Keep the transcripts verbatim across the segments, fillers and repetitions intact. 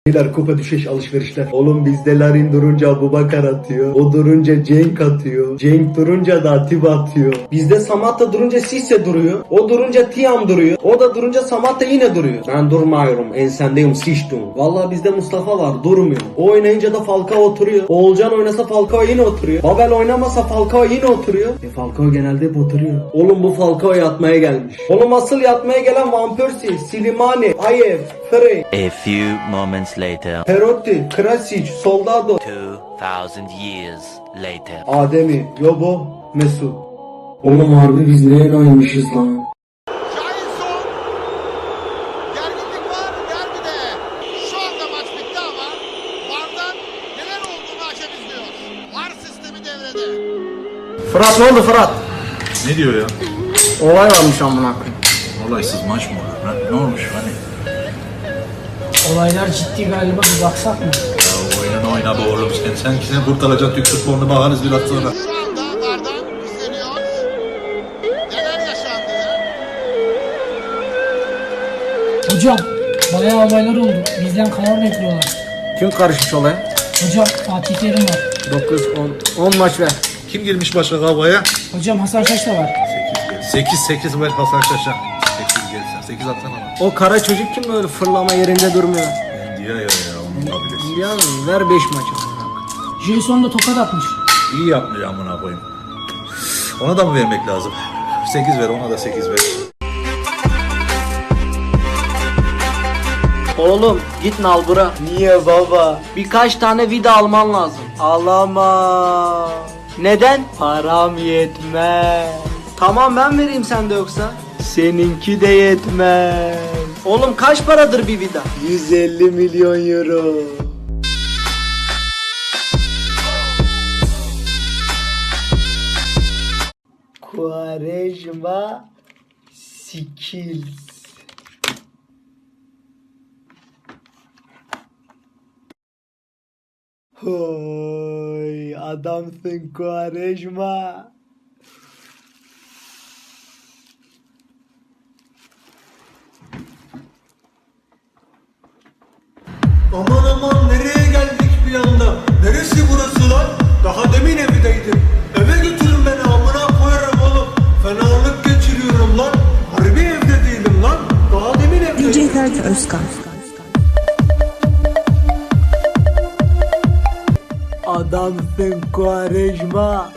Beyler kupa düşeş alışverişler. Oğlum bizde Larin durunca Abubakar atıyor. O durunca Cenk atıyor. Cenk durunca da Atiba atıyor. Bizde Samatta durunca Sisse duruyor. O durunca Tiam duruyor. O da durunca Samatta yine duruyor. Ben durmuyorum. Ensendeyim sıçtım. Vallahi bizde Mustafa var durmuyor. O oynayınca da Falcao oturuyor. Oğulcan oynasa Falcao yine oturuyor. Babel oynamasa Falcao yine oturuyor. E Falcao genelde hep oturuyor. Oğlum bu Falcao yatmaya gelmiş. Oğlum asıl yatmaya gelen Van Persie, Slimani, Ayev, Frey. A few moments later. Perotti, Krasic, Soldado. Two thousand years later. Ademi, Yobo, Mesut. Oğlum harbi biz neye oynamışız lan? Jailson. Gerginlik var derbide. Şu anda maç bitti ama VAR'dan neler olduğunu hakem izliyor. VAR sistemi devrede. Fırat ne oldu Fırat? Ne diyor ya? Olay varmış amına koyayım. Olaysız maç mı olur? Ha? Ne olmuş hani? Olaylar ciddi galiba, bir baksak mı? Ya oyunun oyna be oğlum sen. Sen seni kurtaracak Türk futbolunu bakarız biraz sonra. Şu anda VAR'dan izleniyor. Neler yaşandı? Hocam bayağı olaylar oldu. Bizden karar bekliyorlar. Kim karışmış olaya? Hocam Fatih Terim var. dokuz, on, on maç ver. Kim girmiş başka kavgaya? Hocam Hasan Şaş da var. sekiz sekiz ver Hasan Şaş'a. sekiz gelsin. sekiz atsana bana. O kara çocuk kim böyle fırlama yerinde durmuyor? Diye ya ya onun kabilesi. Ya ver beş maç amına koyayım. Jason da tokat atmış. İyi yapmış amına koyayım. Ona da mı vermek lazım? sekiz ver ona da sekiz ver. Oğlum git nalbura. Niye baba? Birkaç tane vida alman lazım. Alama. Neden? Param yetmez. Tamam ben vereyim sen de yoksa. Seninki de yetmez. Oğlum kaç paradır bir vida? yüz elli milyon euro. Quaresma Skills. Hoy adamsın Quaresma. Aman aman nereye geldik bir anda? Neresi burası lan? Daha demin evdeydim. Eve götürün beni amına koyarım oğlum. Fenalık geçiriyorum lan. Harbi evde değilim lan. Daha demin evdeydim. D J Ferdi Özkan. Adamsın Quaresma.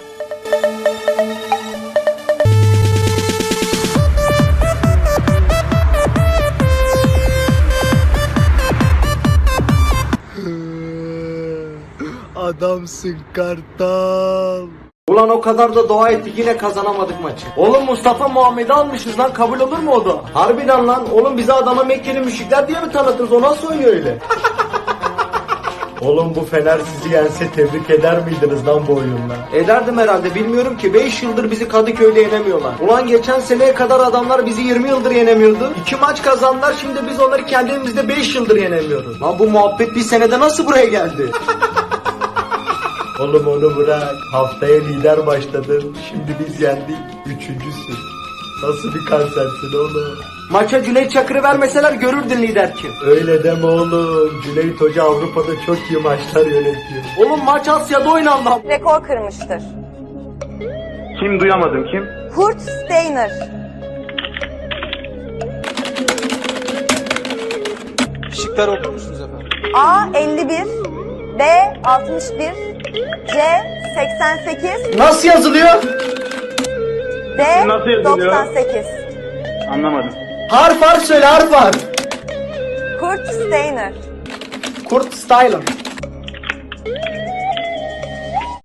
Adamsın Kartal. Ulan o kadar da dua ettik yine kazanamadık maçı. Oğlum Mustafa Muhammed'i almışız lan, kabul olur mu o da? Harbiden lan oğlum bize adama Mekkeli müşrikler diye mi tanıtırız, o nasıl oynuyor öyle? Oğlum bu Fener sizi yense tebrik eder miydiniz lan bu oyunla? Ederdim herhalde, bilmiyorum ki, beş yıldır bizi Kadıköy'de yenemiyorlar. Ulan geçen seneye kadar adamlar bizi yirmi yıldır yenemiyordu. iki maç kazandılar, şimdi biz onları kendimizde beş yıldır yenemiyoruz. Lan bu muhabbet bir senede nasıl buraya geldi? Oğlum onu bırak. Haftaya lider başladın. Şimdi biz yendik. Üçüncüsün. Nasıl bir kansersin oğlum? Maça Cüneyt Çakır'ı vermeseler görürdün lider kim. Öyle deme oğlum. Cüneyt Hoca Avrupa'da çok iyi maçlar yönetiyor. Oğlum maç Asya'da oynandı. Rekor kırmıştır. Kim duyamadım kim? Kurt Steiner. Şıklar okur musunuz efendim? A elli bir, B altmış bir, C seksen sekiz, Nasıl yazılıyor? D Nasıl yazılıyor? doksan sekiz. Anlamadım. Harf harf söyle, harf harf. Kurt Steiner. Kurt Styler.